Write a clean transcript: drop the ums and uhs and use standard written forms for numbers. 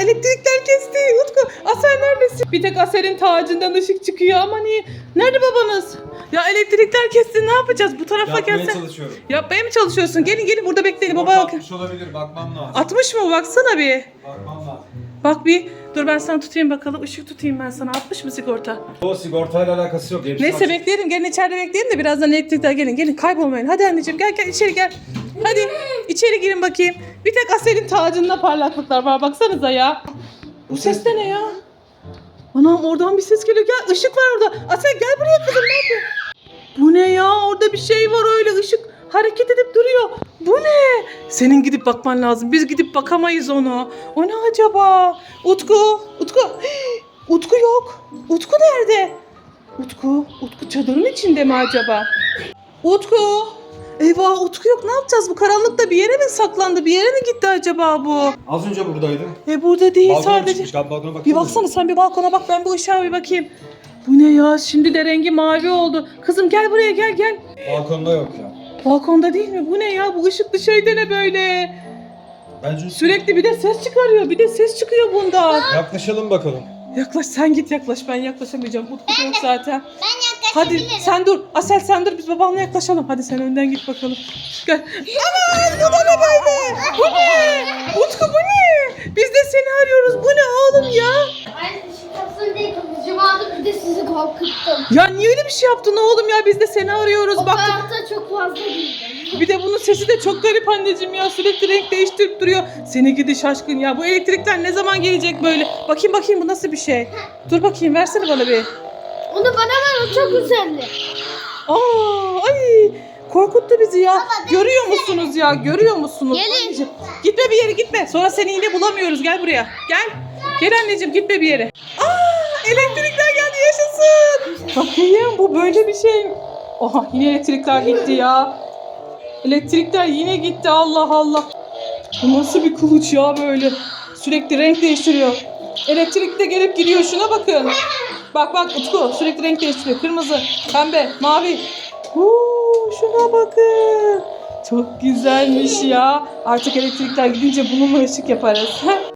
Elektrikler kesti. Utku, Asel neredesin? Bir tek Asel'in tacından ışık çıkıyor ama niye? Nerede babanız? Ya elektrikler kesti, ne yapacağız? Bu tarafa Yapmaya gelsene. çalışıyorum. Yapmaya mı çalışıyorsun? Gelin burada bekleyin. Baba Sigorta bakın. atmış olabilir, bakmam lazım. 60 mı? Baksana bir. Bakmam lazım. Bak bir. Dur ben sana tutayım bakalım. Işık tutayım ben sana. 60 mı sigorta? O sigortayla alakası yok. Hepsi Neyse açık. bekleyelim. Gelin içeride bekleyelim de birazdan elektrikler gelin. Gelin kaybolmayın. Hadi anneciğim gel içeri gel. Hadi içeri girin bakayım. Bir tek Asel'in tacında parlaklıklar var. Baksanıza ya. Bu ses de ne ya? Anam oradan bir ses geliyor. Gel ışık var orada. Asel gel buraya kızım. Ne yapıyorsun? Bu ne ya? Orada bir şey var öyle, ışık hareket edip duruyor. Bu ne? Senin gidip bakman lazım. Biz gidip bakamayız ona. O ne acaba? Utku. Utku yok. Utku nerede? Utku çadırın içinde mi acaba? Utku. Eyvah Utku yok. Ne yapacağız? Bu karanlıkta bir yere mi saklandı? Bir yere mi gitti acaba bu? Az önce buradaydı. Burada değil Balkona sadece. çıkmış. Gel balkona bak. Bir baksana sen, bir balkona bak, ben bu ışığa bir bakayım. Bu ne ya? Şimdi de rengi mavi oldu. Kızım gel buraya gel. Balkonda yok ya. Balkonda değil mi? Bu ne ya? Bu ışıklı şey de ne böyle? Bence Sürekli bir de ses çıkarıyor. Bir de ses çıkıyor bundan. yaklaşalım bakalım. Yaklaş sen git yaklaş. Ben yaklaşamayacağım. Utku yok zaten. Ben Hadi yaklaşabilirim. sen dur. Asel sen dur. Biz babanla yaklaşalım. Hadi sen önden git bakalım. Gel. Aman bu da ne böyle? Bu ne? Utku bu ne? Biz de seni arıyoruz. Bu ne oğlum ya? Aynı ışık kapsın diye kılıcımı aldım, bir de sizi korkuttum. Ya niye öyle bir şey yaptın oğlum ya? Biz de seni arıyoruz. O Baktık. kadar da çok fazla değildi. Bir de bunun sesi de çok garip anneciğim ya. Sürekli renk değiştirip duruyor. Seni gidi şaşkın ya. Bu elektrikler ne zaman gelecek böyle? Bakayım bu nasıl bir şey? Dur bakayım, versene bana bir. Onu bana ver, o çok güzeldi. Ay korkuttu bizi ya. Görüyor musunuz ya? Görüyor musunuz? Gelin. Anneciğim, gitme bir yere gitme. Sonra seni yine bulamıyoruz. Gel buraya. Gel. Gel anneciğim, gitme bir yere. Elektrikler geldi, yaşasın. Bakayım bu böyle bir şey. Oha yine elektrikler gitti ya. Elektrikler yine gitti, Allah Allah. Bu nasıl bir kılıç ya böyle? Sürekli renk değiştiriyor. Elektrik de gelip gidiyor, şuna bakın. Bak Utku sürekli renk değiştiriyor. Kırmızı, pembe, mavi. Şuna bakın. Çok güzelmiş ya. Artık elektrikler gidince bununla ışık yaparız.